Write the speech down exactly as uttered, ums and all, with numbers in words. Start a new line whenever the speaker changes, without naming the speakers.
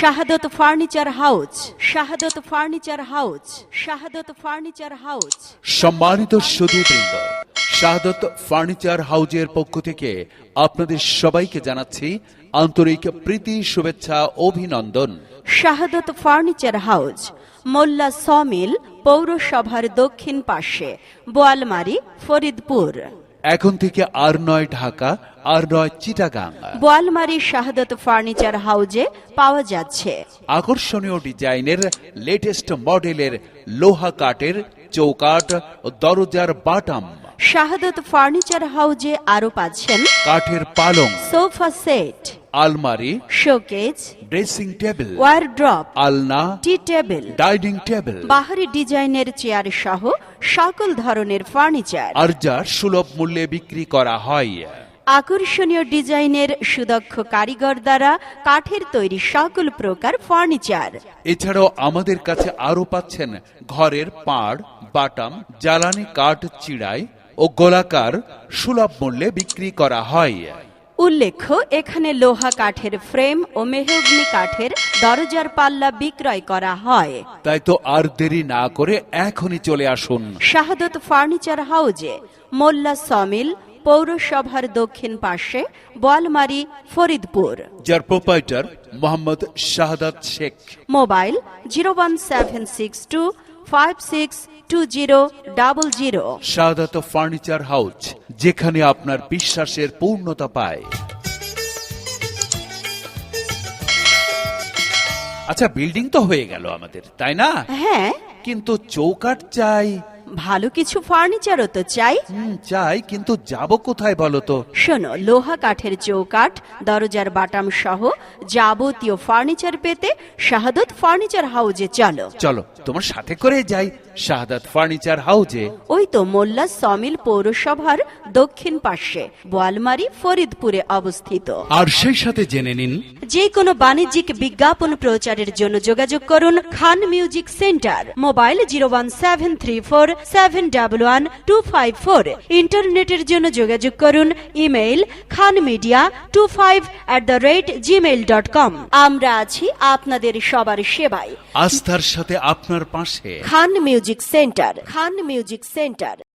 শাহাদত furniture house, Shahadat furniture house, Shahadat furniture house.
সম্মানিত সুধীবৃন্দ, শাহাদত furniture হাউজের পক্ষ থেকে আপনাদের সবাইকে জানাচ্ছি আন্তরিক প্রীতি, শুভেচ্ছা, অভিনন্দন।
Shahadat furniture house, Molla sawmill, পৌরসভার দক্ষিণ পাশে, বোয়ালমারী, ফরিদপুর।
এখন থেকে আর নয় ঢাকা, আর নয় চিটাগাং।
বোয়ালমারী শাহাদত ফার্নিচার হাউজে পাওয়া যাচ্ছে
আকর্ষণীয় ডিজাইনের লেটেস্ট মডেলের লোহা কাঠের চৌকাঠ ও দরজার বাটাম।
শাহাদত ফার্নিচার হাউজে আরো পাচ্ছেন
কাঠের পালং,
সোফা সেট,
আলমারি,
শোকেজ,
ড্রেসিং টেবিল,
ওয়ারড্রপ,
আলনা,
টি টেবিল,
ডাইনিং টেবিল,
বাহারি ডিজাইনের চেয়ার সহ সকল ধরনের ফার্নিচার
আর যা সুলভ মূল্যে বিক্রি করা হয়।
আকর্ষণীয় ডিজাইনের সুদক্ষ কারিগর দ্বারা কাঠের তৈরি সকল প্রকার ফার্নিচার।
এছাড়াও আমাদের কাছে আরো পাচ্ছেন ঘরের পাড়, বাটাম, জ্বালানি কাঠ চিড়াই ও গোলাকার সুলভ মূল্যে বিক্রি করা হয়।
উল্লেখ্য, এখানে লোহা কাঠের ফ্রেম ও মেহগনি কাঠের দরজার পাল্লা বিক্রয় করা হয়।
তাই তো আর দেরি না করে এখনই চলে আসুন
শাহাদত ফার্নিচার হাউজে, মোল্লা সমিল, পৌরসভার দক্ষিণ পাশে, বোয়ালমারী, ফরিদপুর।
যার proprietor Mohammad Shahadat Sheikh.
Mobile zero one seven six two five six two zero double zero.
Shahadat furniture house, যেখানে আপনার বিশ্বাসের পূর্ণতা পায়। আচ্ছা, বিল্ডিং তো হয়ে গেল আমাদের, তাই না?
হ্যাঁ,
কিন্তু চৌকাঠ চাই।
ভালো কিছু ফার্নিচারও তো চাই।
হুম, চাই, কিন্তু যাব কোথায় বলো তো?
শোনো, লোহা কাঠের চৌকাঠ, দরজার বাটাম সহ যাবতীয় ফার্নিচার পেতে শাহাদত ফার্নিচার হাউজে চলো।
চলো, তোমার সাথে করে যাই শাহাদাত ফার্নিচার হাউজে।
ওই তো মোল্লা সমিল পৌরসভার দক্ষিণ পাশে, বোয়ালমারী, ফরিদপুরে অবস্থিত।
আর সেই সাথে জেনে নিন,
যে কোনো বাণিজ্যিক বিজ্ঞাপন প্রচারের জন্য যোগাযোগ করুন Khan music centre. Mobile zero one seven three four seven double one two five four. ইন্টারনেটের জন্য যোগাযোগ করুন email Khan media two five at the rate Gmail dot com. আমরা আছি আপনাদের সবার সেবায়।
আস্থার সাথে আপনার পাশে
Khan music centre, Khan music centre.